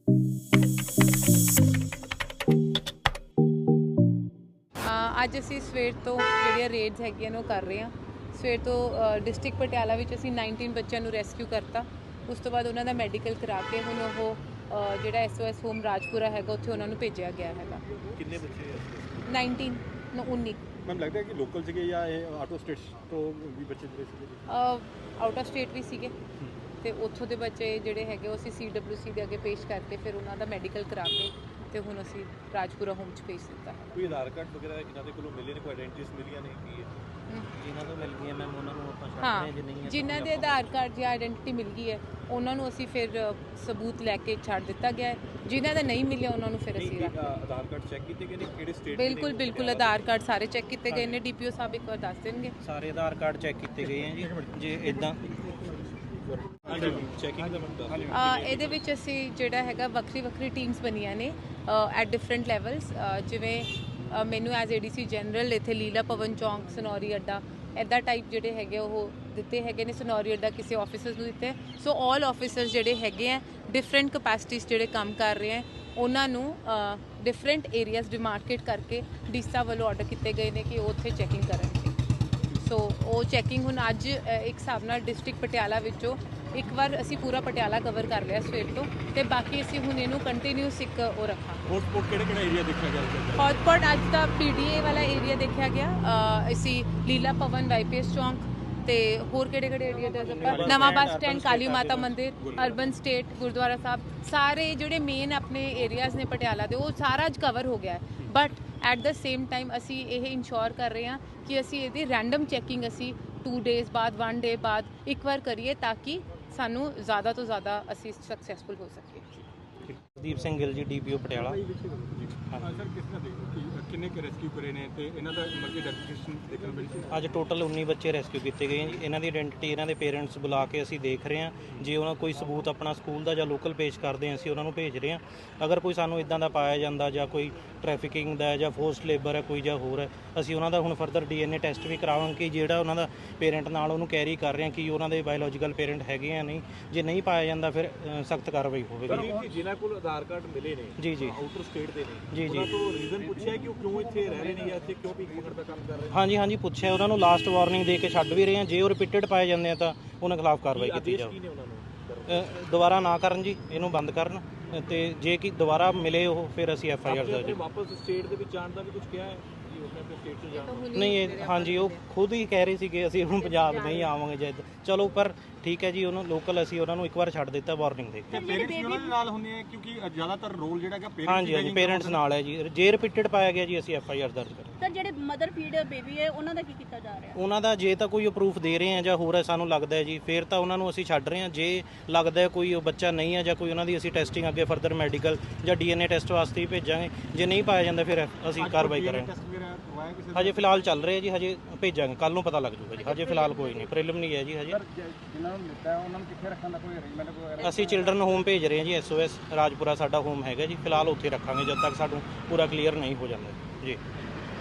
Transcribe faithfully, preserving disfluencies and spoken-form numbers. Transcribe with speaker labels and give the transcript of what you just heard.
Speaker 1: ਅੱਜ ਅਸੀਂ ਸਵੇਰ ਤੋਂ ਜਿਹੜੀਆਂ ਰੇਡਸ ਹੈਗੀਆਂ ਨੇ ਉਹ ਕਰ ਰਹੇ ਹਾਂ। ਸਵੇਰ ਤੋਂ ਡਿਸਟ੍ਰਿਕਟ ਪਟਿਆਲਾ ਵਿੱਚ ਅਸੀਂ ਉਨੱਤੀ ਬੱਚਿਆਂ ਨੂੰ ਰੈਸਕਿਊ ਕਰਤਾ। ਉਸ ਤੋਂ ਬਾਅਦ ਉਹਨਾਂ ਦਾ ਮੈਡੀਕਲ ਕਰਾ ਕੇ ਹੁਣ ਉਹ ਜਿਹੜਾ S O S home Rajpura ਹੈਗਾ ਉੱਥੇ ਉਹਨਾਂ ਨੂੰ ਭੇਜਿਆ ਗਿਆ ਹੈਗਾ।
Speaker 2: ਕਿੰਨੇ ਬੱਚੇ
Speaker 1: ਉਨੱਤੀ ਉੱਨੀ
Speaker 2: ਮੈਮ ਲੱਗਦਾ ਹੈ ਕਿ ਲੋਕਲ ਸੀਗੇ ਜਾਂ ਇਹ ਆਊਟ ਆਫ ਸਟੇਟ ਤੋਂ ਵੀ ਬੱਚੇ ਜਿਹੜੇ ਸੀਗੇ?
Speaker 1: ਆਊਟ ਆਫ ਸਟੇਟ ਵੀ ਸੀਗੇ ਤੇ ਉੱਥੋਂ ਦੇ ਬੱਚੇ ਜਿਹੜੇ ਹੈਗੇ ਉਹ ਅਸੀਂ ਸੀ ਡਬਲਿਊ ਸੀ ਦੇ ਅੱਗੇ ਪੇਸ਼ ਕਰਕੇ ਫਿਰ ਉਹਨਾਂ ਦਾ ਮੈਡੀਕਲ ਕਰਾ ਕੇ ਤੇ ਹੁਣ ਅਸੀਂ ਰਾਜਪੁਰਾ ਹੋਮ 'ਚ ਭੇਜ ਦਿੱਤਾ ਹੈ।
Speaker 2: ਕੋਈ ਆਧਾਰ ਕਾਰਡ ਵਗੈਰਾ ਇਹਨਾਂ ਦੇ ਕੋਲੋਂ ਮਿਲੇ ਨੇ, ਕੋਈ ਆਇਡੈਂਟੀਟੀਜ਼ ਮਿਲੀਆਂ ਨੇ ਕੀ ਹੈ?
Speaker 3: ਜਿਨ੍ਹਾਂ ਤੋਂ ਮਿਲ ਗਈਆਂ ਮੈਮ ਉਹਨਾਂ ਨੂੰ ਆਪਾਂ ਛੱਡ
Speaker 1: ਹਾਂ
Speaker 3: ਰਹੇ ਜੇ ਨਹੀਂ
Speaker 1: ਜਿਨ੍ਹਾਂ ਦੇ ਆਧਾਰ ਕਾਰਡ ਜਾਂ ਆਇਡੈਂਟੀਟੀ ਮਿਲ ਗਈ ਹੈ ਉਹਨਾਂ ਨੂੰ ਅਸੀਂ ਫਿਰ ਸਬੂਤ ਲੈ ਕੇ ਛੱਡ ਦਿੱਤਾ ਗਿਆ ਹੈ। ਜਿਨ੍ਹਾਂ ਦਾ ਨਹੀਂ ਮਿਲਿਆ ਉਹਨਾਂ ਨੂੰ ਫਿਰ ਅਸੀਂ ਰੱਖ
Speaker 2: ਆਧਾਰ ਕਾਰਡ ਚੈੱਕ ਕੀਤੇ ਗਏ ਨੇ ਕਿਹੜੇ ਸਟੇਟ?
Speaker 1: ਬਿਲਕੁਲ ਬਿਲਕੁਲ ਆਧਾਰ ਕਾਰਡ ਸਾਰੇ ਚੈੱਕ ਕੀਤੇ ਗਏ ਨੇ। ਡੀਪੀਓ ਸਾਹਿਬ ਇੱਕ ਵਾਰ ਦੱਸ ਦੇਣਗੇ।
Speaker 3: ਸਾਰੇ ਆਧਾਰ ਕਾਰਡ ਚੈੱਕ ਕੀਤੇ ਗਏ ਆ ਜੀ। ਜੇ ਇਦਾਂ
Speaker 2: ਚੈਕਿੰਗ ਦਾ ਮਤਲਬ
Speaker 1: ਇਹਦੇ ਵਿੱਚ ਅਸੀਂ ਜਿਹੜਾ ਹੈਗਾ ਵੱਖਰੀ ਵੱਖਰੀ ਟੀਮਸ ਬਣੀਆਂ ਨੇ ਐਟ ਡਿਫਰੈਂਟ ਲੈਵਲਸ। ਜਿਵੇਂ ਮੈਨੂੰ as A D C general ਇੱਥੇ ਲੀਲਾ ਭਵਨ ਚੌਂਕ ਸਨੌਰੀ ਅੱਡਾ ਇੱਦਾਂ ਟਾਈਪ ਜਿਹੜੇ ਹੈਗੇ ਉਹ ਦਿੱਤੇ ਹੈਗੇ ਨੇ। ਸਨੌਰੀ ਅੱਡਾ ਕਿਸੇ ਆਫਿਸਰਸ ਨੂੰ ਦਿੱਤੇ। ਸੋ ਆਲ ਆਫਿਸਰਸ ਜਿਹੜੇ ਹੈਗੇ ਆ ਡਿਫਰੈਂਟ ਕਪੈਸਿਟੀਜ਼ ਜਿਹੜੇ ਕੰਮ ਕਰ ਰਹੇ ਆ ਉਹਨਾਂ ਨੂੰ ਡਿਫਰੈਂਟ ਏਰੀਆਜ਼ ਡਿਮਾਰਕੇਟ ਕਰਕੇ ਡੀਸਾ ਵੱਲੋਂ ਆਰਡਰ ਕੀਤੇ ਗਏ ਨੇ ਕਿ ਉਹ ਉੱਥੇ ਚੈਕਿੰਗ ਕਰਨਗੇ। ਸੋ ਉਹ ਚੈਕਿੰਗ ਹੁਣ ਅੱਜ ਇੱਕ ਹਿਸਾਬ ਨਾਲ ਡਿਸਟ੍ਰਿਕਟ ਪਟਿਆਲਾ ਵਿੱਚੋਂ ਇੱਕ ਵਾਰ ਅਸੀਂ ਪੂਰਾ ਪਟਿਆਲਾ ਕਵਰ ਕਰ ਲਿਆ ਸਵੇਰ ਤੋਂ ਤੇ ਬਾਕੀ ਅਸੀਂ ਹੁਣ ਇਹਨੂੰ ਕੰਟੀਨਿਊਸ ਇੱਕ ਉਹ ਰੱਖਾਂਗੇ।
Speaker 2: ਹੌਟਸਪੌਟ ਕਿਹੜਾ ਕਿਹੜਾ ਏਰੀਆ ਦੇਖਿਆ ਗਿਆ?
Speaker 1: ਹੌਟਸਪੌਟ ਅੱਜ ਦਾ ਪੀ ਡੀ ਏ ਵਾਲਾ ਏਰੀਆ ਦੇਖਿਆ ਗਿਆ। ਅਸੀਂ ਲੀਲਾ ਭਵਨ ਵਾਈ ਪੀ ਐਸ ਚੌਂਕ ਤੇ ਹੋਰ ਕਿਹੜੇ ਕਿਹੜੇ ਏਰੀਆ ਦੇ ਆਪਾਂ ਨਵਾਂ ਬੱਸ ਸਟੈਂਡ ਕਾਲੀ ਮਾਤਾ ਮੰਦਿਰ ਅਰਬਨ ਸਟੇਟ ਗੁਰਦੁਆਰਾ ਸਾਹਿਬ ਸਾਰੇ ਜਿਹੜੇ ਮੇਨ ਆਪਣੇ ਏਰੀਆਜ਼ ਨੇ ਪਟਿਆਲਾ ਦੇ ਉਹ ਸਾਰਾ ਅੱਜ ਕਵਰ ਹੋ ਗਿਆ ਹੈ। But at the same time ਅਸੀਂ ਇਹ ਇਨਸ਼ੋਰ ਕਰ ਰਹੇ ਹਾਂ ਕਿ ਅਸੀਂ ਇਹਦੀ ਰੈਂਡਮ ਚੈਕਿੰਗ ਅਸੀਂ ਟੂ ਡੇਜ਼ ਬਾਅਦ ਵਨ ਡੇ ਬਾਅਦ ਇੱਕ ਵਾਰ ਕਰੀਏ ਤਾਂ ਕਿ ਸਾਨੂੰ ਜ਼ਿਆਦਾ ਤੋਂ ਜ਼ਿਆਦਾ ਅਸੀਂ ਸਕਸੈਸਫੁਲ ਹੋ ਸਕੀਏ।
Speaker 3: ਦੀਪ Singh Gill ji D P O Patiala.
Speaker 2: Sir ਕਿਸ ਤਰ੍ਹਾਂ ਦੇਖੋ ਕਿੰਨੇ ਕੁ ਰੈਸਕਿਊ ਕਰੇ ਨੇ ਤੇ ਇਹਨਾਂ ਦਾ ਮਰਜ਼ੀ ਡੈਕਲੇਰੇਸ਼ਨ ਦੇਖਣ ਮਿਲੀ ਸੀ?
Speaker 3: ਅੱਜ ਟੋਟਲ ਉੱਨੀ ਬੱਚੇ ਰੈਸਕਿਊ ਕੀਤੇ ਗਏ ਜੀ। ਇਹਨਾਂ ਦੀ ਆਇਡੈਂਟੀਟੀ ਇਹਨਾਂ ਦੇ ਪੇਰੈਂਟਸ ਬੁਲਾ ਕੇ ਅਸੀਂ ਦੇਖ ਰਹੇ ਹਾਂ। ਜੇ ਉਹਨਾਂ ਕੋਈ ਸਬੂਤ ਆਪਣਾ ਸਕੂਲ ਦਾ ਜਾਂ ਲੋਕਲ ਪੇਸ਼ ਕਰਦੇ ਹਾਂ ਅਸੀਂ ਉਹਨਾਂ ਨੂੰ ਭੇਜ ਰਹੇ ਹਾਂ। ਅਗਰ ਕੋਈ ਸਾਨੂੰ ਇਦਾਂ ਦਾ ਪਾਇਆ ਜਾਂਦਾ ਜਾਂ ਕੋਈ ਟ੍ਰੈਫਿਕਿੰਗ ਦਾ ਜਾਂ ਫੋਰਸਡ ਲੇਬਰ ਹੈ ਕੋਈ ਜਾਂ ਹੋਰ ਹੈ ਅਸੀਂ ਉਹਨਾਂ ਦਾ ਹੁਣ further D N A test ਵੀ ਕਰਾਵਾਂਗੇ ਕਿ ਜਿਹੜਾ ਉਹਨਾਂ ਦਾ ਪੇਰੈਂਟ ਨਾਲ ਉਹਨੂੰ ਕੈਰੀ ਕਰ ਰਹੇ ਹਾਂ ਕਿ ਉਹਨਾਂ ਦੇ ਬਾਇਓਲੋਜੀਕਲ ਪੇਰੈਂਟ ਹੈਗੇ ਆ ਨਹੀਂ। ਜੇ ਨਹੀਂ ਪਾਇਆ ਜਾਂਦਾ ਫਿਰ ਸਖਤ ਕਾਰਵਾਈ ਹੋਵੇਗੀ।
Speaker 2: ਜਿਨ੍ਹਾਂ ਕੋਲ ਆਧਾਰ ਕਾਰਡ ਮਿਲੇ ਨੇ
Speaker 3: ਜੀ ਜੀ
Speaker 2: ਆਊਟਰ ਸਟੇਟ ਦੇ ਨੇ
Speaker 3: ਜੀ ਜੀ
Speaker 2: ਉਹਨਾਂ ਤੋਂ ਰੀਜ਼ਨ ਪੁੱਛਿਆ ਕਿ ਉਹ ਕਿਉਂ ਇੱਥੇ ਰਹਿ ਰਹੇ ਨੇ ਜਾਂ ਇੱਥੇ ਕਿਉਂ ਭੀਖ ਮੰਗਣ ਦਾ ਕੰਮ ਕਰ ਰਹੇ ਨੇ?
Speaker 3: ਹਾਂਜੀ ਹਾਂਜੀ ਪੁੱਛਿਆ ਉਹਨਾਂ ਨੂੰ ਲਾਸਟ ਵਾਰਨਿੰਗ ਦੇ ਕੇ ਛੱਡ ਵੀ ਰਹੇ ਹਾਂ। ਜੇ ਉਹ ਰਿਪੀਟਡ ਪਾਏ ਜਾਂਦੇ ਆ ਤਾਂ ਉਹਨਾਂ ਖਿਲਾਫ ਕਾਰਵਾਈ ਕੀਤੀ ਜਾਵੇ। ਦੁਬਾਰਾ ਨਾ ਕਰਨ ਜੀ ਇਹਨੂੰ ਬੰਦ ਕਰਨ ਤੇ ਜੇ ਕਿ ਦੁਬਾਰਾ ਮਿਲੇ ਉਹ ਫਿਰ ਅਸੀਂ ਐਫ ਆਈ ਆਰ ਦਰਜ।
Speaker 2: ਵਾਪਸ ਸਟੇਟ ਦੇ ਵਿੱਚ ਜਾਣ ਦਾ ਵੀ ਕੁਝ ਕਿਹਾ ਹੈ?
Speaker 3: ਨਹੀਂ ਇਹ ਹਾਂਜੀ ਉਹ ਖੁਦ ਹੀ ਕਹਿ ਰਹੇ ਸੀਗੇ ਅਸੀਂ ਹੁਣ ਪੰਜਾਬ ਨਹੀਂ ਆਵਾਂਗੇ ਜਦ। ਚਲੋ ਪਰ ਠੀਕ ਹੈ ਜੀ ਉਹਨੂੰ ਲੋਕਲ ਅਸੀਂ ਉਹਨਾਂ ਨੂੰ ਇੱਕ ਵਾਰ ਛੱਡ ਦਿੱਤਾ ਵਾਰਨਿੰਗ ਦੇ ਕੇ।
Speaker 2: ਪੇਰੈਂਟਸ ਵੀ ਉਹਨਾਂ ਦੇ ਨਾਲ ਹੁੰਦੇ ਆ ਕਿਉਂਕਿ ਜ਼ਿਆਦਾਤਰ ਰੋਲ ਜਿਹੜਾ ਹੈਗਾ ਪੇਰੈਂਟਸ
Speaker 3: ਹਾਂਜੀ ਹਾਂਜੀ ਪੇਰੈਂਟਸ ਨਾਲ ਹੈ ਜੀ। ਜੇ ਰਿਪੀਟਡ ਪਾਇਆ ਗਿਆ ਜੀ ਅਸੀਂ ਐਫ ਆਈ ਆਰ ਦਰਜ ਕਰਾਂਗੇ।
Speaker 4: ਸਰ ਜਿਹੜੇ ਮਦਰ ਫੀਡ ਬੇਬੀ ਹੈ ਉਹਨਾਂ ਦਾ ਕੀ ਕੀਤਾ ਜਾ ਰਿਹਾ?
Speaker 3: ਉਹਨਾਂ ਦਾ ਜੇ ਤਾਂ ਕੋਈ ਪ੍ਰੂਫ ਦੇ ਰਹੇ ਆ ਜਾਂ ਹੋਰ ਹੈ ਸਾਨੂੰ ਲੱਗਦਾ ਹੈ ਜੀ ਫਿਰ ਤਾਂ ਉਹਨਾਂ ਨੂੰ ਅਸੀਂ ਛੱਡ ਰਹੇ ਹਾਂ। ਜੇ ਲੱਗਦਾ ਹੈ ਕੋਈ ਉਹ ਬੱਚਾ ਨਹੀਂ ਹੈ ਜਾਂ ਕੋਈ ਉਹਨਾਂ ਦੀ ਅਸੀਂ ਟੈਸਟਿੰਗ ਅੱਗੇ ਫਰਦਰ ਮੈਡੀਕਲ ਜਾਂ ਡੀ ਐਨ ਏ ਟੈਸਟ ਵਾਸਤੇ ਹੀ ਭੇਜਾਂਗੇ। ਜੇ ਨਹੀਂ ਪਾਇਆ ਜਾਂਦਾ ਫਿਰ ਅਸੀਂ ਕਾਰਵਾਈ ਕਰਾਂਗੇ। ਹਜੇ ਫਿਲਹਾਲ ਚੱਲ ਰਿਹਾ ਜੀ ਹਜੇ ਭੇਜਾਂਗੇ ਕੱਲ ਨੂੰ ਪਤਾ ਲੱਗ ਜੂਗਾ ਜੀ। ਹਜੇ ਫਿਲਹਾਲ ਕੋਈ ਨਹੀਂ ਪ੍ਰੀਲਿਮਿਨਰੀ ਹੈ ਜੀ ਹਜੇ।
Speaker 2: ਜਿਨ੍ਹਾਂ ਨੂੰ ਮਿਲਦਾ ਉਹਨਾਂ ਨੂੰ ਕਿੱਥੇ ਰੱਖਣ ਦਾ ਕੋਈ ਅਰੇਂਜਮੈਂਟ ਵਗੈਰਾ?
Speaker 3: ਅਸੀਂ ਚਿਲਡਰਨ ਹੋਮ ਭੇਜ ਰਹੇ ਹਾਂ ਜੀ। ਐਸ ਓ ਐਸ ਰਾਜਪੁਰਾ ਸਾਡਾ ਹੋਮ ਹੈਗਾ ਜੀ। ਫਿਲਹਾਲ ਉੱਥੇ ਰੱਖਾਂਗੇ ਜਦ ਤੱਕ ਸਾਨੂੰ ਪੂਰਾ ਕਲੀਅਰ ਨਹੀਂ ਹੋ ਜਾਂਦਾ ਜੀ।